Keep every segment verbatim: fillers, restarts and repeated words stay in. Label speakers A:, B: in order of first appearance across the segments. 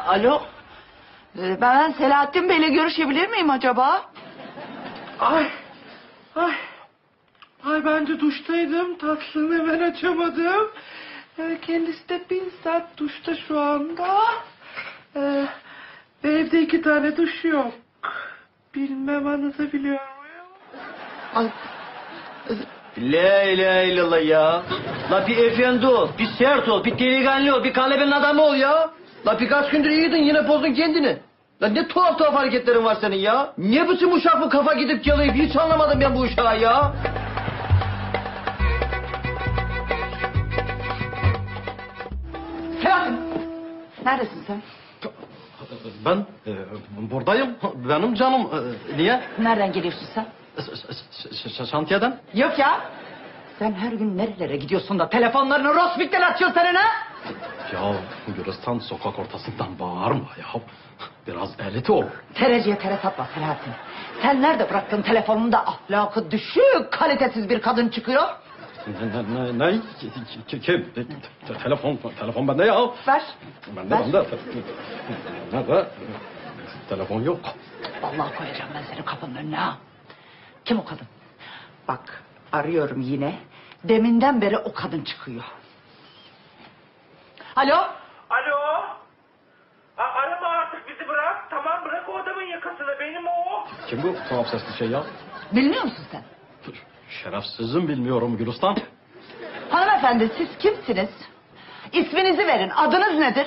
A: Alo. Ee, Ben Selahattin Bey'le görüşebilir miyim acaba?
B: Ay, ay. Ay ben de duştaydım. Tatlını hemen açamadım. Ee, kendisi de bizzat duşta şu anda. Ee, evde iki tane duş yok. Bilmem anlatabiliyor muyum?
A: Ay,
C: La ilahe illallah ya. La bir efendi ol, bir sert ol, bir delikanlı ol, bir kalebenin adamı ol ya. La birkaç gündür iyiydin yine bozdun kendini. La ne tuhaf tuhaf hareketlerin var senin ya. Ne biçim uşak bu kafa gidip geliyor, hiç anlamadım ben bu uşağı ya.
A: Selahattin. Neredesin sen?
C: Ben e, buradayım, benim canım. E, niye?
A: Nereden geliyorsun sen?
C: Şantiyeden.
A: Yok ya. Sen her gün nerelere gidiyorsun da telefonlarını Rosbik'ten açıyorsun senin ha?
C: Ya Gülistan sokak ortasından bağırma ya. Biraz elit ol.
A: Tereciye tere satma Selahattin. Sen nerede bıraktın telefonunda ahlakı düşük, kalitesiz bir kadın çıkıyor?
C: Ne, ne, ne? Kim? Kim? Te- telefon, telefon bende ya.
A: Ver.
C: Bende,
A: Ver.
C: bende. Nerede? Telefon yok.
A: Vallahi koyacağım ben seni kapının önüne ha. Kim o kadın? Bak arıyorum yine. Deminden beri o kadın çıkıyor. Alo?
B: Alo? A arama artık bizi bırak. Tamam bırak o adamın yakasını. Benim o.
C: Kim bu tuhaf sesli şey ya?
A: Bilmiyor musun sen?
C: Şerefsizim bilmiyorum Gülistan.
A: Hanımefendi siz kimsiniz? İsminizi verin. Adınız nedir?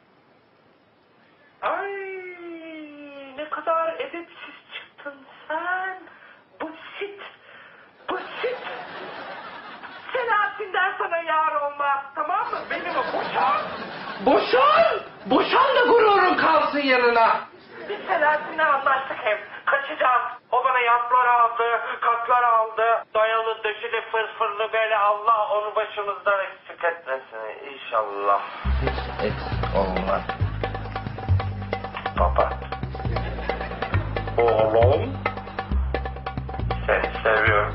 B: Ay ne kadar edepsiz çıktın sen. Busit. Busit. Selahattin'den sana yar olmaz. Tamam mı? Benim o. Boşan. Boşan. Boşan da gururun kalsın yanına. Biz Selahattin'le anlaştık hep. Kaçacağız. O bana yatlar aldı, katlar aldı. Dayalı, döşeli, fırfırlı böyle Allah onu başımızdan eksik etmesin. İnşallah. Hiç eksik olmaz. Baba. Oğlum. Seni seviyorum.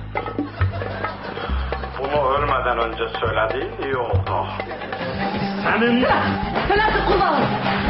B: Bunu ölmeden önce söylediğin iyi oldu. Senin...
A: Selahattin kullanın.